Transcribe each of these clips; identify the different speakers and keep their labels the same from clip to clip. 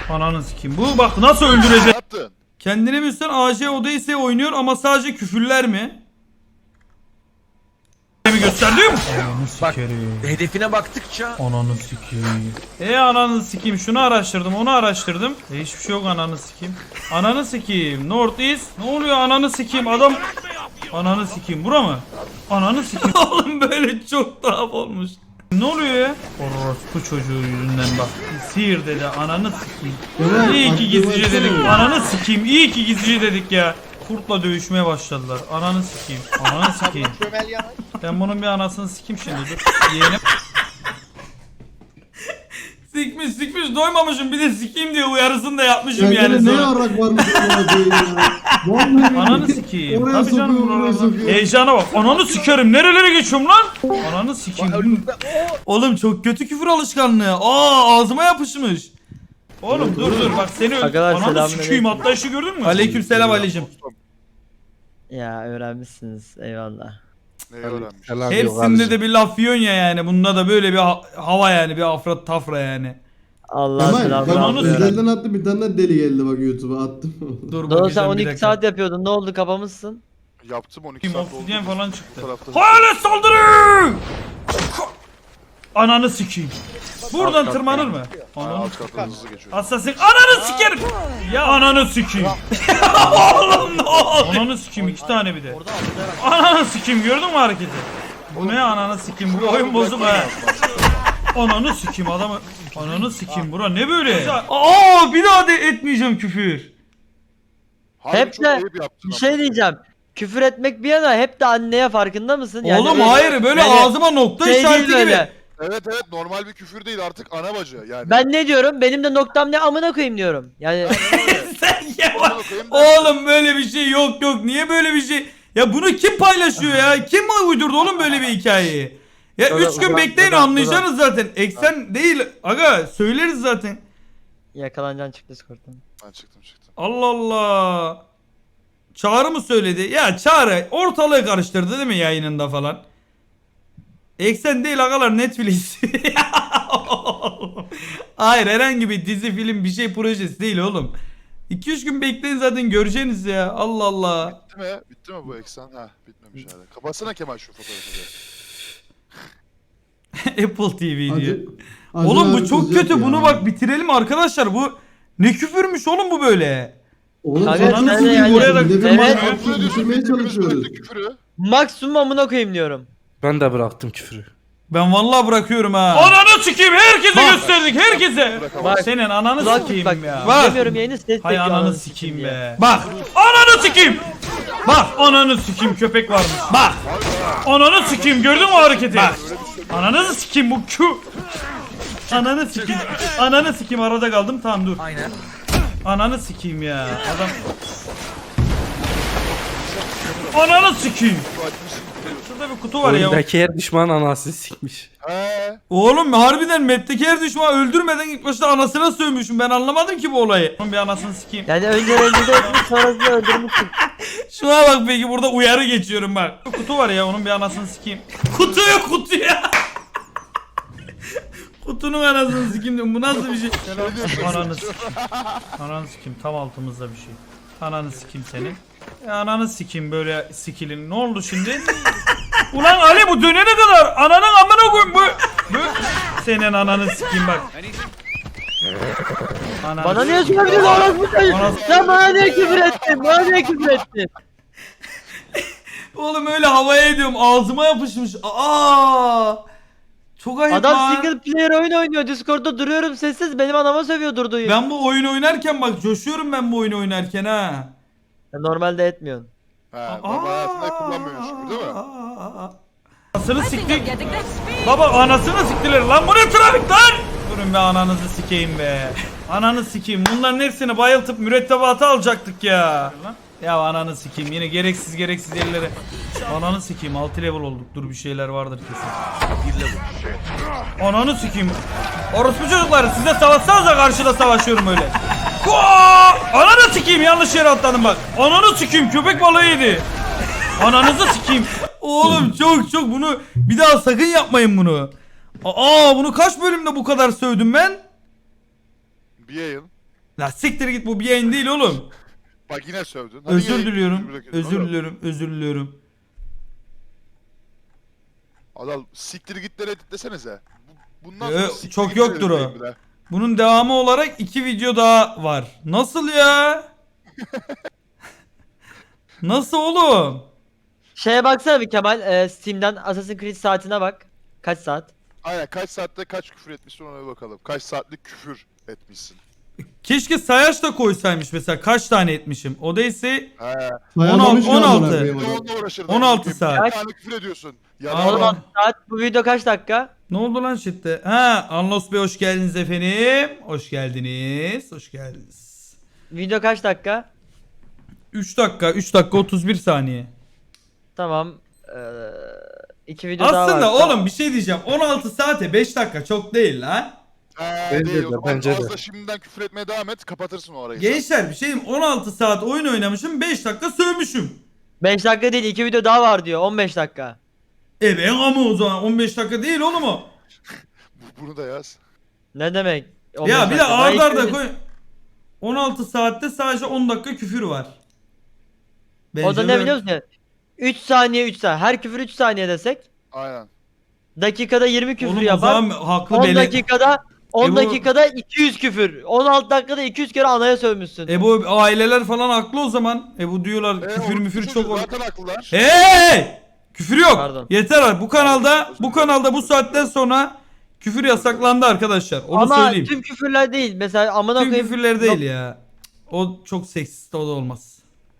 Speaker 1: Ananı sikeyim. Bu bak nasıl öldürecek.
Speaker 2: Ne yaptın?
Speaker 1: Kendine bilsen AC Odyssey oynuyor ama sadece küfürler mi? Mi gösterdim? Ananı
Speaker 3: Bak,
Speaker 1: sikerim.
Speaker 3: hedefine baktıkça
Speaker 1: Ananı sikeyim. Ananı sikeyim. Şunu araştırdım, onu araştırdım. Hiçbir şey yok ananı sikeyim. Ananı sikeyim. North East. Ne oluyor ananı sikeyim adam. Ananı sikeyim. Bura mı? Ananı sikeyim. Oğlum böyle çok tuhaf olmuş. Ne oluyor ya? Orospu çocuğu yüzünden bak. Sihir dedi. Ananı sikeyim. İyi ki gizlice dedik. Ananı sikeyim. İyi ki gizlice dedik ya. Kurtla dövüşmeye başladılar. Ananı sikeyim. Ananı sikeyim. Ben bunun bir anasını sikeyim şimdi dur. Yeğenim. Sikmiş doymamışım bir de sikeyim diye uyarısını da yapmışım yani.
Speaker 4: Ne yarak varmış ya.
Speaker 1: Ananı sikeyim.
Speaker 4: Oraya
Speaker 1: Tabii canım,
Speaker 4: sokuyor, oraya sokuyor.
Speaker 1: heyecana bak. Ananı sikerim. Nerelere geçiyorum lan? Ananı sikeyim. Oğlum çok kötü küfür alışkanlığı. Ağzıma yapışmış. Oğlum dur bak seni
Speaker 5: Arkadaşlar,
Speaker 1: ananı
Speaker 5: selamünaleyküm.
Speaker 1: sikeyim hatta işi gördün mü? Aleykümselam Ali'cim.
Speaker 5: Ya öğrenmişsiniz eyvallah.
Speaker 2: Neyi öğrenmiş?
Speaker 1: Hepsinde de bir laf yiyorsun ya yani. Bunda da böyle bir hava yani. Bir afrat tafra yani.
Speaker 5: Allah
Speaker 4: Kemal
Speaker 5: selamını
Speaker 4: bak
Speaker 1: Ananı
Speaker 4: özelden attı bir tane deli geldi bak YouTube'a attım.
Speaker 1: Dur
Speaker 5: Doğru sen
Speaker 1: bakacağım bir
Speaker 5: 12
Speaker 1: dakika.
Speaker 5: saat yapıyordun ne oldu kapamışsın?
Speaker 2: Yaptım 12
Speaker 1: Kim
Speaker 2: saat
Speaker 1: obsidyen
Speaker 2: oldu.
Speaker 1: falan
Speaker 2: Bu
Speaker 1: çıktı.
Speaker 2: tarafta-
Speaker 1: Hayalet saldırı! Ananı sikeyim. Buradan
Speaker 2: Alt
Speaker 1: tırmanır
Speaker 2: kat-
Speaker 1: mı?
Speaker 2: Ha,
Speaker 1: Ananı
Speaker 2: alt katta hızlı geçiyor.
Speaker 1: Assassin ananı sikerim. Ya ananı sikeyim. Oğlum ne oldu? Ananı sikeyim iki tane bir de. Ananı sikeyim gördün mü hareketi? Bu ne ananı sikeyim bu oyun bozuk ha. Ananı sikeyim adamı. Ananı sikeyim bura ne böyle? Bir daha de etmeyeceğim küfür.
Speaker 2: Harbi
Speaker 5: Hep
Speaker 2: çok
Speaker 5: de
Speaker 2: ayıp yaptın
Speaker 5: bir
Speaker 2: ama.
Speaker 5: şey diyeceğim. Küfür etmek bir yana hep de anneye farkında mısın? Yani
Speaker 1: Oğlum
Speaker 5: öyle-
Speaker 1: hayır böyle
Speaker 5: yani
Speaker 1: ağzıma nokta
Speaker 5: şey değil
Speaker 1: işareti gibi.
Speaker 5: böyle.
Speaker 2: Evet normal bir küfür değil artık ana bacı yani.
Speaker 5: Ben ne diyorum? Benim de noktam ne amına koyayım diyorum. Yani
Speaker 1: Sen ya
Speaker 2: Amına koyayım ben-
Speaker 1: oğlum böyle bir şey yok niye böyle bir şey? Ya bunu kim paylaşıyor ya? Kim uydurdu oğlum böyle bir hikayeyi? Ya
Speaker 5: Burada-
Speaker 1: 3 gün
Speaker 5: burada-
Speaker 1: bekleyin
Speaker 5: burada-
Speaker 1: anlayacaksınız zaten. Eksen değil aga söyleriz zaten.
Speaker 5: yakalanacaksın çık Discord'dan.
Speaker 2: Ben çıktım.
Speaker 1: Allah Allah. Çağrı mı söyledi? Ya Çağrı ortalığı karıştırdı değil mi yayınında falan? Eksen değil agalar Netflix. Hayır herhangi bir dizi film bir şey projesi değil oğlum. 2-3 gün bekleyin zaten göreceğiniz ya. Allah Allah.
Speaker 2: Bitti mi? Bitti mi bu eksen? Ha bitmemiş hala. Kapatsana Kemal şu fotoğrafı da.
Speaker 1: Apple TV diyor.
Speaker 4: Acı
Speaker 1: Oğlum bu
Speaker 4: abi
Speaker 1: çok
Speaker 4: kızacak
Speaker 1: kötü.
Speaker 4: ya.
Speaker 1: Bunu bak bitirelim arkadaşlar. Bu ne küfürmüş oğlum bu böyle.
Speaker 4: Oğlum
Speaker 5: Kanka,
Speaker 4: sen
Speaker 5: sen
Speaker 4: nasıl
Speaker 5: de yani-
Speaker 4: oraya da
Speaker 5: Evet.
Speaker 4: düşürmeye çalışıyoruz.
Speaker 2: Küfürü.
Speaker 5: Maksimum amına koyayım diyorum.
Speaker 6: Ben de bıraktım küfürü.
Speaker 1: Ben vallahi bırakıyorum ha. Ananı sikeyim herkese gösterdik herkese.
Speaker 5: Bak,
Speaker 1: Senin ananı
Speaker 5: Kulak
Speaker 1: sikeyim
Speaker 5: bak,
Speaker 1: ya.
Speaker 5: demiyorum yayını ses
Speaker 1: Hay
Speaker 5: bekliyor
Speaker 1: ananı sikeyim
Speaker 5: diye.
Speaker 1: be. Bak. Ananı sikeyim. Bak ananı sikeyim köpek varmış. Bak. Ananı sikeyim gördün mü o hareketi? Bak. Ananı sikeyim bu Q. Ananı sikeyim. Ananı sikeyim arada kaldım tamam dur.
Speaker 3: aynen.
Speaker 1: Ananı sikeyim ya. Adam. Ananı sikeyim. Şurada bir kutu var ya.
Speaker 6: Oyundaki her düşman anasını sikmiş.
Speaker 2: He.
Speaker 1: Oğlum harbiden map'teki her düşmanı öldürmeden ilk başta anasına sövmüşüm. Ben anlamadım ki bu olayı. Onun bir anasını sikeyim.
Speaker 5: Yani önce rencide etmiş sonrasında öldürmüşsün.
Speaker 1: Şuna bak peki burada uyarı geçiyorum bak. Kutu var ya onun bir anasını sikeyim. Kutuya. Kutunun anasını sikeyim diyorum. Bu nasıl bir şey? Ananı sikeyim. Ananı sikeyim tam altımızda bir şey. Ananı sikeyim senin. Ananı sikeyim böyle sikilin. Ne oldu şimdi? Ulan Ali bu dönene kadar ananın amına koyayım bu. Senin ananı sikeyim bak. Ananı
Speaker 5: Bana niye söylüyorsun orası bu çocuk?
Speaker 1: Orası-
Speaker 5: Sen bana niye küfür ettin? Bana niye küfür ettin?
Speaker 1: Oğlum öyle havaya ediyorum ağzıma yapışmış. Çok ayıp
Speaker 5: Adam
Speaker 1: lan.
Speaker 5: single player oyun oynuyor. Discord'da duruyorum sessiz benim anama sövüyor durduğu yeri.
Speaker 1: Ben bu oyunu oynarken bak coşuyorum ben bu oyunu oynarken ha.
Speaker 5: Normalde etmiyorsun.
Speaker 2: He. Normal hayatında kullanmıyormuş gibi değil mi?
Speaker 1: Anasını siktik. Baba anasını siktiler lan bu ne trafik lan? Durun be ananızı sikeyim be. Ananı sikeyim bunların hepsini bayıltıp mürettebatı alacaktık ya. Ya ananı sikeyim yine gereksiz yerlere. Ananı sikeyim 6 level olduk dur bir şeyler vardır kesin. Ananı sikeyim. Orospu çocuklar size savaşsanıza karşıda savaşıyorum öyle. Ananı sikeyim yanlış yere atladım bak. Ananı sikeyim köpek balığı yedi. Ananızı sikeyim. Oğlum çok bunu bir daha sakın yapmayın bunu. Bunu kaç bölümde bu kadar sövdüm ben?
Speaker 2: Bir yayın.
Speaker 1: La siktir git, bu bir yayın değil oğlum.
Speaker 2: Bak yine sövdün. Hadi
Speaker 1: Özür
Speaker 2: yine
Speaker 1: diliyorum.
Speaker 2: bırakıyorsun
Speaker 1: Özür
Speaker 2: oğlum.
Speaker 1: diliyorum. Özür diliyorum.
Speaker 2: Adal siktir gitleri editlesenize. Bundan
Speaker 1: Ee,
Speaker 2: sonra siktir
Speaker 1: çok
Speaker 2: gitleri
Speaker 1: yoktur o.
Speaker 2: editleyin bir de.
Speaker 1: Bunun devamı olarak 2 video daha var. Nasıl ya? Nasıl oğlum?
Speaker 5: Şeye baksana bir Kemal. Steam'den Assassin's Creed saatine bak. Kaç saat?
Speaker 2: Aynen kaç saatte kaç küfür etmişsin ona bir bakalım. Kaç saatlik küfür etmişsin.
Speaker 1: Keşke sayaç da koysaymış mesela, kaç tane etmişim. O da ise
Speaker 2: He.
Speaker 4: Sayamamış ki
Speaker 1: 16.
Speaker 4: amına koyayım
Speaker 2: Bir de
Speaker 4: adam.
Speaker 2: onunla uğraşırdın.
Speaker 1: 16 saat.
Speaker 2: Bir tane küfür ediyorsun. Ya
Speaker 1: Allah.
Speaker 5: 16 saat. Bu video kaç dakika?
Speaker 1: ne oldu lan chatte? Ha, Anlos Bey hoş geldiniz efendim. Hoş geldiniz. Hoş geldiniz.
Speaker 5: Video kaç dakika?
Speaker 1: 3 dakika, 3 dakika 31 saniye.
Speaker 5: Tamam. 2 video daha var.
Speaker 1: Aslında
Speaker 5: Tamam.
Speaker 1: oğlum bir şey diyeceğim. 16 saate 5 dakika çok değil lan.
Speaker 6: Bence
Speaker 2: değil
Speaker 6: de,
Speaker 2: o zaman
Speaker 6: bence de.
Speaker 2: fazla şimdiden küfür etmeye devam et kapatırsın o arayı.
Speaker 1: Gençler bir şey diyeyim. 16 saat oyun oynamışım, 5 dakika sövmüşüm.
Speaker 5: 5 dakika değil, 2 video daha var diyor. 15 dakika.
Speaker 1: Ben ama o zaman 15 dakika değil oğlum o.
Speaker 2: Bunu da yaz.
Speaker 5: Ne demek? 15
Speaker 1: Ya bir de
Speaker 5: dakika. Daha
Speaker 1: arda
Speaker 5: iki
Speaker 1: arda
Speaker 5: video-
Speaker 1: koy. 16 saatte sadece 10 dakika küfür var.
Speaker 5: O da
Speaker 1: Bence
Speaker 5: ne
Speaker 1: böyle-
Speaker 5: biliyor musun? 3 saniye 3 saniye. Her küfür 3 saniye desek.
Speaker 2: Aynen.
Speaker 5: Dakikada 20 küfür
Speaker 1: Oğlum o
Speaker 5: yapar.
Speaker 1: zaman haklı
Speaker 5: 10
Speaker 1: bele.
Speaker 5: dakikada 10
Speaker 1: bu-
Speaker 5: dakikada 200 küfür. 16 dakikada 200 kere anaya sövmüşsün.
Speaker 1: Bu aileler falan haklı o zaman. Bu diyorlar küfür
Speaker 2: orospu
Speaker 1: müfür
Speaker 2: çocuğu
Speaker 1: çok olur.
Speaker 2: Zaten haklılar.
Speaker 1: Hey! Küfür yok.
Speaker 5: Pardon.
Speaker 1: Yeter abi. Bu kanalda bu saatten sonra küfür yasaklandı arkadaşlar. Onu
Speaker 5: Ama
Speaker 1: söyleyeyim.
Speaker 5: tüm küfürler değil. Mesela amına
Speaker 1: Tüm
Speaker 5: koyayım.
Speaker 1: küfürler değil ya. O çok seksist, o da olmaz.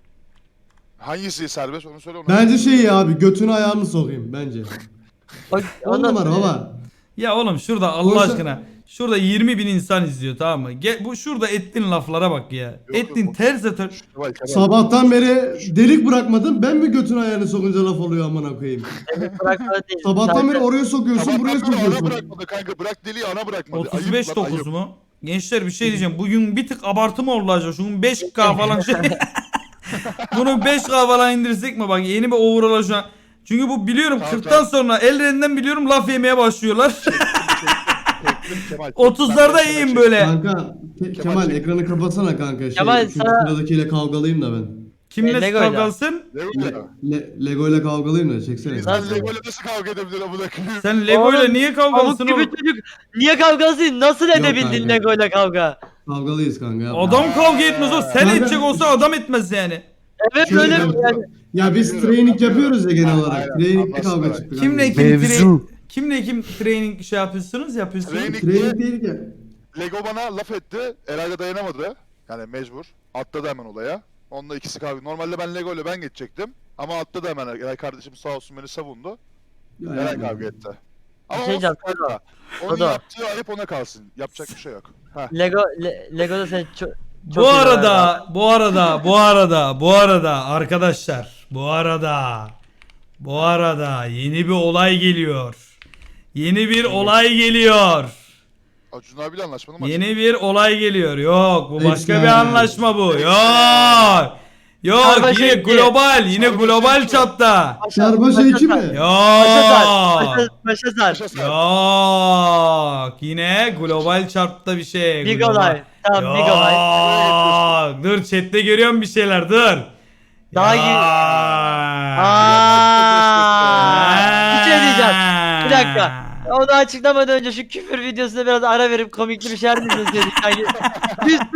Speaker 2: Hangisi serbest onu söyle ona.
Speaker 4: Bence şey ya abi götünü ayağını sokayım bence.
Speaker 5: Bak,
Speaker 4: 10
Speaker 5: ondan
Speaker 4: numara
Speaker 5: sonra-
Speaker 4: baba.
Speaker 1: Ya oğlum şurada Allah
Speaker 4: Oysa-
Speaker 1: aşkına. Şurada 20 bin insan izliyor, tamam mı? Bu şurada ettiğin laflara bak ya. Ettiğin
Speaker 2: yok.
Speaker 1: terse ter.
Speaker 2: Kemal, Kemal.
Speaker 4: Sabahtan beri delik bırakmadın, ben mi götünü ayağını sokunca laf oluyor amına koyayım.
Speaker 5: Bırakma değil.
Speaker 4: Sabahtan beri
Speaker 5: Sadece-
Speaker 4: oraya sokuyorsun,
Speaker 2: Sabahtan
Speaker 4: buraya
Speaker 2: beri ana
Speaker 4: sokuyorsun.
Speaker 2: bırakmadı kanka. Bırak deliği ana bırakmadı.
Speaker 1: 35-9 mu? Gençler bir şey diyeceğim. Bugün bir tık abartı mı oldu acaba? Şunun 5K falan şey. Bunu 5K falan indirsek mi? Bak yeni bir overall'a şu an. Çünkü bu biliyorum
Speaker 2: Tamam,
Speaker 1: 40'tan sonra ellerinden biliyorum laf yemeye başlıyorlar. 30'larda iyiyim böyle.
Speaker 4: Kanka Kemal ekranı kapatsana kanka.
Speaker 5: Kemal,
Speaker 4: Şu
Speaker 5: sana-
Speaker 4: sıradakiyle kavgalıyım da ben.
Speaker 1: Kimle
Speaker 5: Lego'yla.
Speaker 1: kavgalsın?
Speaker 4: Lego ile kavgalıyım da çeksene.
Speaker 2: Sen Lego'yla nasıl kavga edebilir amına koyayım?
Speaker 1: Sen Lego'yla
Speaker 5: Oğlum,
Speaker 1: niye
Speaker 5: Pamuk
Speaker 1: kavgalsın
Speaker 5: gibi
Speaker 1: oğlum?
Speaker 5: çocuk. Niye kavgasın? Nasıl edebildin
Speaker 4: kanka.
Speaker 5: Lego ile kavga?
Speaker 4: Kavgalıyız kanka. yapma.
Speaker 1: Adam kavga etmez o. Sen
Speaker 4: Kanka-
Speaker 1: edecek olsa adam etmez yani.
Speaker 5: Evet
Speaker 4: Şöyle
Speaker 5: öyle
Speaker 4: kanka,
Speaker 5: yani.
Speaker 4: Ya biz training yapıyoruz ya genel olarak.
Speaker 2: Aynen,
Speaker 4: Training'de kavga
Speaker 2: anlaştılar.
Speaker 4: çıktı.
Speaker 1: Kimle
Speaker 4: kanka.
Speaker 1: kim
Speaker 6: Mevzu.
Speaker 1: kimle kim training şey yapıyorsunuz?
Speaker 2: Training-
Speaker 4: Training değil ki.
Speaker 2: Lego bana laf etti. Eray da dayanamadı. Yani mecbur. Atladı hemen olaya. Onunla ikisi kavga. Normalde ben Lego ile ben geçecektim. Ama atladı hemen. Eray kardeşim sağ olsun beni savundu.
Speaker 4: Ya,
Speaker 2: Eray
Speaker 4: yapma.
Speaker 2: kavga etti. Ama
Speaker 5: Bir şey
Speaker 2: olsun
Speaker 5: diyeceğim,
Speaker 2: kanka. Onun
Speaker 5: Dodo.
Speaker 2: yaptığı ayıp ona kalsın. Yapacak bir şey yok. Heh.
Speaker 5: Lego'da sen çok
Speaker 1: Bu arada arkadaşlar, bu arada yeni bir olay geliyor. Yeni bir olay geliyor.
Speaker 2: Acun abiyle anlaşmalı mı?
Speaker 1: Yeni bir olay geliyor. Yok, bu başka
Speaker 4: Eksen.
Speaker 1: bir anlaşma bu. Yok. Yok,
Speaker 5: Sarbaş
Speaker 1: yine
Speaker 5: ekti.
Speaker 1: global, yine
Speaker 2: Sarbaş
Speaker 1: global
Speaker 2: ekti.
Speaker 1: çapta.
Speaker 4: Sarbaş eki mi?
Speaker 5: Başa sar.
Speaker 1: Yok.
Speaker 5: Başa sar.
Speaker 2: Yaşa sen.
Speaker 1: Yok. Yine global çapta bir şey.
Speaker 5: Big
Speaker 1: global.
Speaker 5: olay. Tamam big olay.
Speaker 1: Yok. Dur chatte görüyorum bir şeyler, dur.
Speaker 5: Daha
Speaker 1: Ya.
Speaker 5: Bir şey diyeceğim. Bir dakika. Onu açıklamadan önce şu küfür videosuna biraz ara verip komikli bir şeyler mi izleseydik? Yani 100